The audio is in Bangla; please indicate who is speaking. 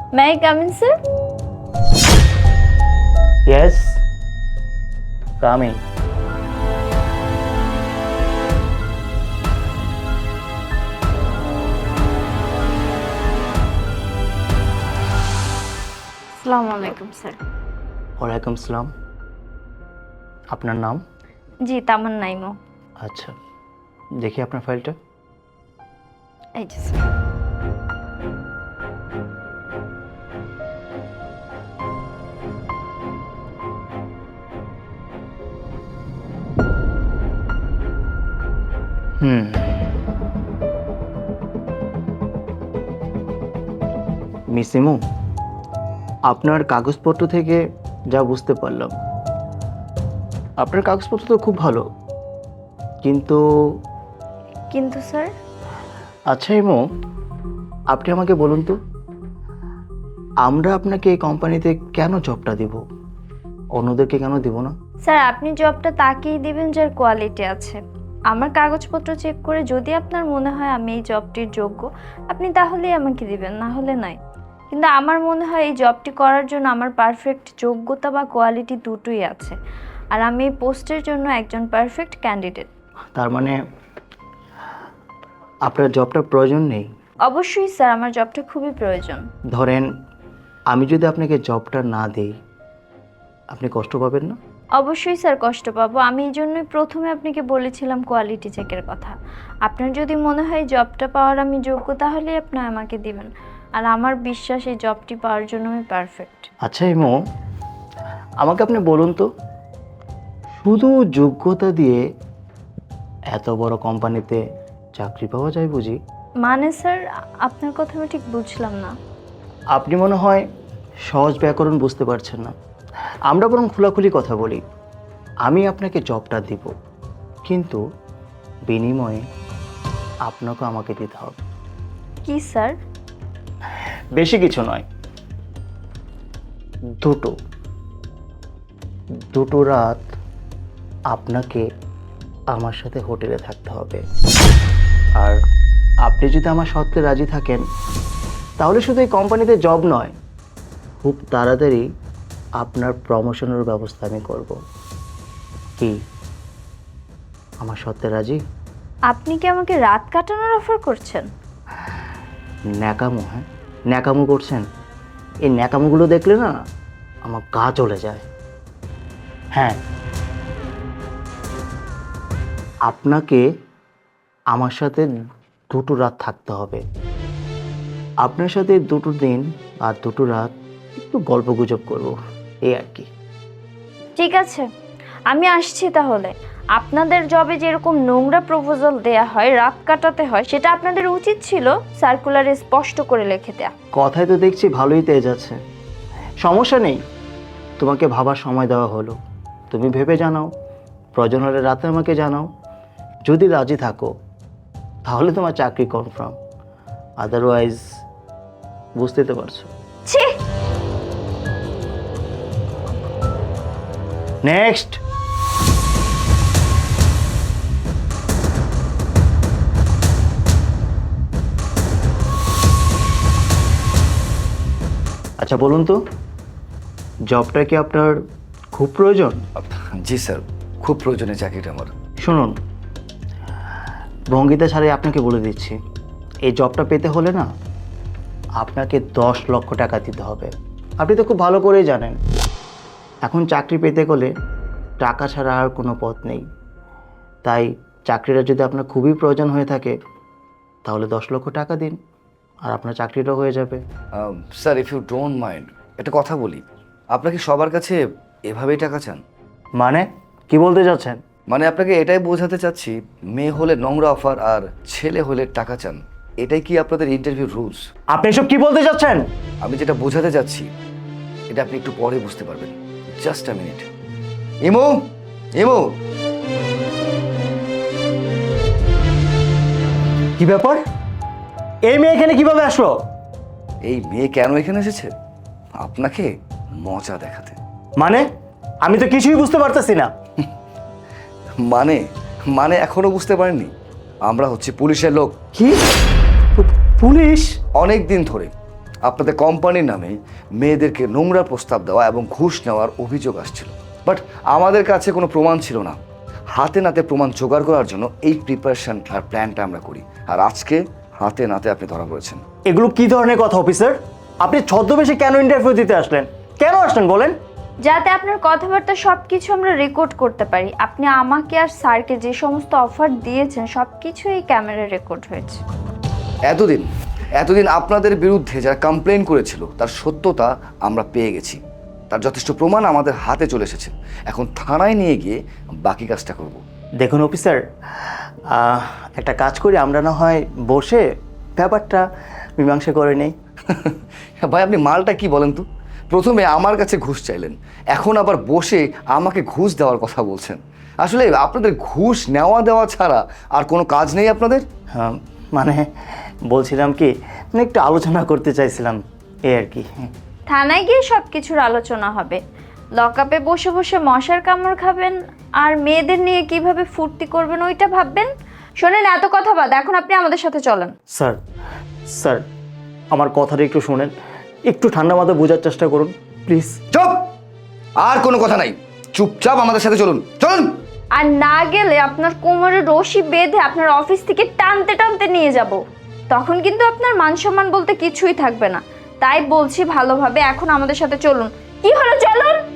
Speaker 1: May I come in, sir?
Speaker 2: Yes, coming.
Speaker 1: আসসালামু আলাইকুম স্যার।
Speaker 2: ওয়ালাইকুম সালাম। আপনার নাম?
Speaker 1: জি, তামান্না ইমো।
Speaker 2: আচ্ছা, দেখি আপনার ফাইলটা।
Speaker 1: এই যে স্যার।
Speaker 2: মিস ইমু, আপনার কাগজপত্র থেকে যা বুঝতে পারলাম, আপনার কাগজপত্র তো খুব ভালো, কিন্তু
Speaker 1: কিন্তু স্যার,
Speaker 2: আচ্ছা ইমু, আপনি আমাকে বলুন তো, আমরা আপনাকে এই কোম্পানিতে কেন জবটা দিব, অন্যদেরকে কেন দিব না?
Speaker 1: স্যার আপনি জবটা তাকেই দিবেন যার কোয়ালিটি আছে। আমার কাগজপত্র চেক করে যদি আপনার মনে হয় আমি এই জবটির যোগ্য, আপনি তাহলেই আমাকে দিবেন, না হলে নয়। কিন্তু আমার মনে হয় এই জবটি করার জন্য আমার পারফেক্ট যোগ্যতা বা কোয়ালিটি দুটোই আছে, আর আমি এই পোস্টের জন্য একজন পারফেক্ট ক্যান্ডিডেট।
Speaker 2: তার মানে আপনার জবটার প্রয়োজন নেই?
Speaker 1: অবশ্যই স্যার, আমার জবটা খুবই প্রয়োজন।
Speaker 2: ধরেন আমি যদি আপনাকে জবটা না দিই, আপনি কষ্ট পাবেন না?
Speaker 1: অবশ্যই স্যার কষ্ট পাবো। আমি এই জন্যই প্রথমে আপনাকে বলেছিলাম কোয়ালিটি চেকের কথা। আপনার যদি মনে হয় জবটা পাওয়ার আমি যোগ্য, তাহলেই আপনি আমাকে দিবেন। আর আমার বিশ্বাস এই জবটি পাওয়ার জন্য আমি পারফেক্ট।
Speaker 2: আচ্ছা ইমো, আমাকে আপনি বলুন তো, শুধু যোগ্যতা দিয়ে এত বড় কোম্পানিতে চাকরি পাওয়া যায় বুঝি?
Speaker 1: মানে স্যার, আপনার কথা আমি ঠিক বুঝলাম না।
Speaker 2: আপনি মনে হয় সহজ ব্যাকরণ বুঝতে পারছেন না। আমরা বরং খোলাখুলি কথা বলি। আমি আপনাকে জবটা দিব, কিন্তু বিনিময়ে আপনাকে আমাকে দিতে হবে।
Speaker 1: কি স্যার?
Speaker 2: বেশি কিছু নয়, দুটো দুটো রাত আপনাকে আমার সাথে হোটেলে থাকতে হবে। আর আপনি যদি আমার শর্তে রাজি থাকেন, তাহলে শুধু এই কোম্পানিতে জব নয়, খুব তাড়াতাড়ি আপনার প্রমোশনের ব্যবস্থা আমি করব। কি আমার শর্তে রাজি?
Speaker 1: আপনি কি আমাকে রাত কাটানোর অফার করছেন?
Speaker 2: ন্যাকামো? হ্যাঁ, ন্যাকামো করছেন? এই ন্যাকামোগুলো দেখলে না আমার গা চলে যায়। হ্যাঁ, আপনাকে আমার সাথে দুটো রাত থাকতে হবে। আপনার সাথে দুটো দিন আর দুটো রাত একটু গল্প গুজব করবো, এই আর কি।
Speaker 1: ঠিক আছে, আমি আসছি তাহলে। আপনাদের জবে যেরকম নোংরা প্রপোজাল দেয়া হয়, রাত কাটাতে হয়, সেটা আপনাদের উচিত ছিল সার্কুলারে স্পষ্ট করে লিখে দেয়া।
Speaker 2: কথায় তো দেখছি ভালোই তেজ আছে। সমস্যা নেই, তোমাকে ভাবার সময় দেওয়া হলো, তুমি ভেবে জানাও, প্রয়োজন হলে রাতে আমাকে জানাও। যদি রাজি থাকো তাহলে তোমার চাকরি কনফার্ম, আদারওয়াইজ বুঝতে তো পারছো।
Speaker 1: ছি!
Speaker 2: নেক্সট। আচ্ছা বলুন তো, জবটা কি আপনার খুব প্রয়োজন?
Speaker 3: জি স্যার, খুব প্রয়োজনীয় চাকরিটা আমার।
Speaker 2: শুনুন, ভঙ্গিতা ছাড়াই আপনাকে বলে দিচ্ছি, এই জবটা পেতে হলে না আপনাকে 10 লক্ষ টাকা দিতে হবে। আপনি তো খুব ভালো করেই জানেন, এখন চাকরি পেতে গেলে টাকা ছাড়া আর কোনো পথ নেই। তাই চাকরিটা যদি আপনার খুবই প্রয়োজন হয়ে থাকে, তাহলে 10 লক্ষ টাকা দিন, আর আপনার চাকরিটাও হয়ে যাবে।
Speaker 3: Sir, if you don't mind, একটা কথা বলি, আপনাকে সবার কাছে এভাবেই টাকা চান?
Speaker 2: মানে কি বলতে চাচ্ছেন?
Speaker 3: মানে আপনাকে এটাই বোঝাতে চাচ্ছি, মেয়ে হলে নোংরা অফার আর ছেলে হলে টাকা চান, এটাই কি আপনাদের ইন্টারভিউ রুলস?
Speaker 2: আপনি এসব কি বলতে চাচ্ছেন?
Speaker 3: আমি যেটা বোঝাতে চাচ্ছি এটা আপনি একটু পরে বুঝতে পারবেন। Just a minute. Imo, Imo,
Speaker 2: কি ব্যাপার? এই মেয়ে এখানে কিভাবে আসলো?
Speaker 3: এই মেয়ে কেন এখানে এসেছে? আপনাকে মজা দেখাতে।
Speaker 2: মানে আমি তো কিছুই বুঝতে পারতেছি না।
Speaker 3: মানে মানে এখনো বুঝতে পারেননি? আমরা হচ্ছে পুলিশের লোক।
Speaker 2: কি? পুলিশ?
Speaker 3: অনেক দিন ধরে আপনাদের কোম্পানির নামে মেয়েদেরকে নোংরা প্রস্তাব দেওয়া এবং ঘুষ নেওয়ার অভিযোগ আসছিল, বাট আমাদের কাছে কোনো প্রমাণ ছিল না। হাতে নাতে প্রমাণ জোগাড় করার জন্য এই প্রিপারেশন আর প্ল্যানটা আমরা করি, আর আজকে হাতে নাতে আপনি ধরা পড়েছেন।
Speaker 2: এগুলো কি ধরনের কথা অফিসার? আপনি ছদ্মবেশে কেন ইন্টারভিউ দিতে আসলেন? কেন আসলেন বলেন?
Speaker 1: যাতে আপনার কথাবার্তা সব কিছু আমরা রেকর্ড করতে পারি। আপনি আমাকে আর স্যারকে যে সমস্ত অফার দিয়েছেন সব কিছু এই ক্যামেরায় রেকর্ড হয়েছে।
Speaker 3: এতদিন আপনাদের বিরুদ্ধে যারা কমপ্লেন করেছিল তার সত্যতা আমরা পেয়ে গেছি, তার যথেষ্ট প্রমাণ আমাদের হাতে চলে এসেছে। এখন থানায় নিয়ে গিয়ে বাকি কাজটা করব।
Speaker 2: দেখুন অফিসার, একটা কাজ করি, আমরা না হয় বসে ব্যাপারটা মীমাংসা করে নেই।
Speaker 3: ভাই আপনি মালটা কি বলেন তো? প্রথমে আমার কাছে ঘুষ চাইলেন, এখন আবার বসে আমাকে ঘুষ দেওয়ার কথা বলছেন। আসলে আপনাদের ঘুষ নেওয়া দেওয়া ছাড়া আর কোনো কাজ নেই আপনাদের?
Speaker 2: হ্যাঁ, মানে বলছিলাম কি, মানে একটু আলোচনা করতে চাইছিলাম, এই আর কি।
Speaker 1: থানায় গিয়ে সব কিছুর আলোচনা হবে। লকআপে বসে বসে মশার কামড় খাবেন আর মেয়েদের নিয়ে কিভাবে ফুর্তি করবেন ওইটা ভাববেন। শোনেন, এত কথা বাদ, এখন আপনি আমাদের সাথে চলেন।
Speaker 2: স্যার স্যার আমার কথাটা একটু শোনেন, একটু ঠান্ডা মাথায় বোঝার চেষ্টা করুন প্লিজ।
Speaker 3: চুপ! আর কোনো কথা নাই, চুপচাপ আমাদের সাথে চলুন, চলুন।
Speaker 1: আর না গেলে আপনার কোমরে রশি বেঁধে আপনার অফিস থেকে টানতে টানতে নিয়ে যাব। তখন কিন্তু আপনার মান সম্মান বলতে কিছুই থাকবে না। তাই বলছি ভালোভাবে এখন আমাদের সাথে চলুন। কি হলো, চলুন।